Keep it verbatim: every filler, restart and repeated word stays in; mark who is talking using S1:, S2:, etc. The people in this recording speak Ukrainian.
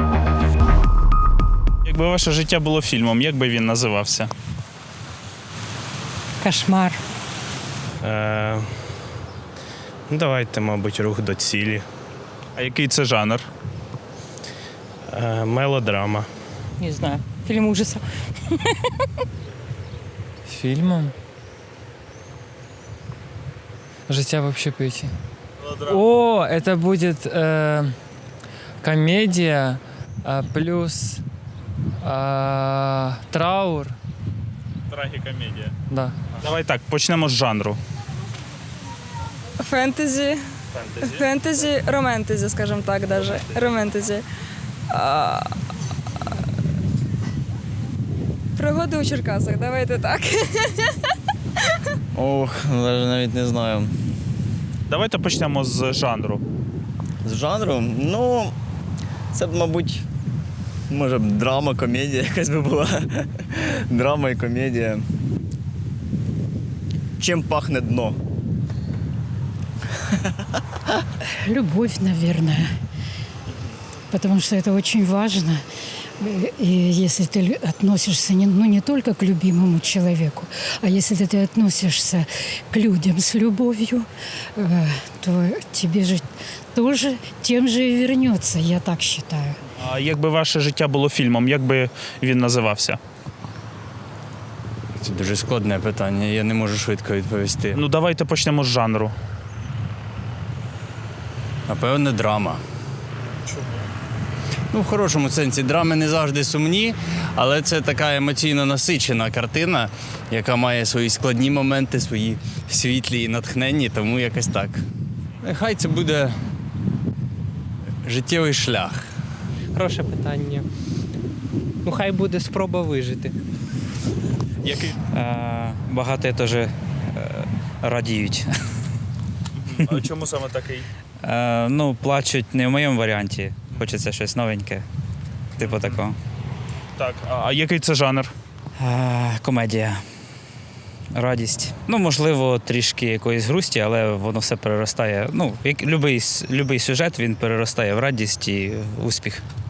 S1: Якби ваше життя було фільмом, як би він називався?
S2: Кошмар.
S3: Е, ну, давайте, мабуть, рух до цілі.
S1: А який це жанр?
S3: Е, мелодрама.
S2: Не знаю. Фильм ужасов.
S4: Фильмом? Життя в общепиті. О, это будет э, комедия э, плюс э, траур.
S1: Трагікомедія.
S4: Да.
S1: Давай так, почнемо з жанру.
S5: Фентезі.
S1: Фентезі.
S5: Фентезі, романтезі, скажімо так, даже. Романтезі. А, Пригоди у Черкасах, давайте так.
S6: Ох, навіть навіть не знаю.
S1: Давайте почнемо з жанру.
S6: З жанру, ну, це б, мабуть, може б драма, комедія якась би була. Драма і комедія. Чим пахне дно?
S7: Любовь, наверное. Потому что это очень важно. И если ты лю- относишься не, ну, не только к любимому человеку, а если ты относишься к людям с любовью, э, то тебе же тоже тем же и вернется, я так считаю.
S1: А якби ваше життя було фільмом, як би він називався?
S6: Це дуже складне питання, я не можу швидко відповісти.
S1: Ну давайте почнемо з жанру.
S6: Напевне, драма. Чому? Ну, в хорошому сенсі, драми не завжди сумні, але це така емоційно насичена картина, яка має свої складні моменти, свої світлі і натхненні, тому якось так. Нехай це буде життєвий шлях.
S8: Хороше питання. Ну, хай буде спроба вижити.
S1: Який?
S9: Е, багато теж е, радіють.
S1: А чому саме такий?
S9: Е, ну, плачуть не в моєму варіанті. Хочеться щось новеньке. Типу такого.
S1: Так, а, а який це жанр?
S9: Е, комедія. Радість. Ну, можливо, трішки якоїсь грусті, але воно все переростає. Ну, як, любий, с- любий сюжет, він переростає в радість і в успіх.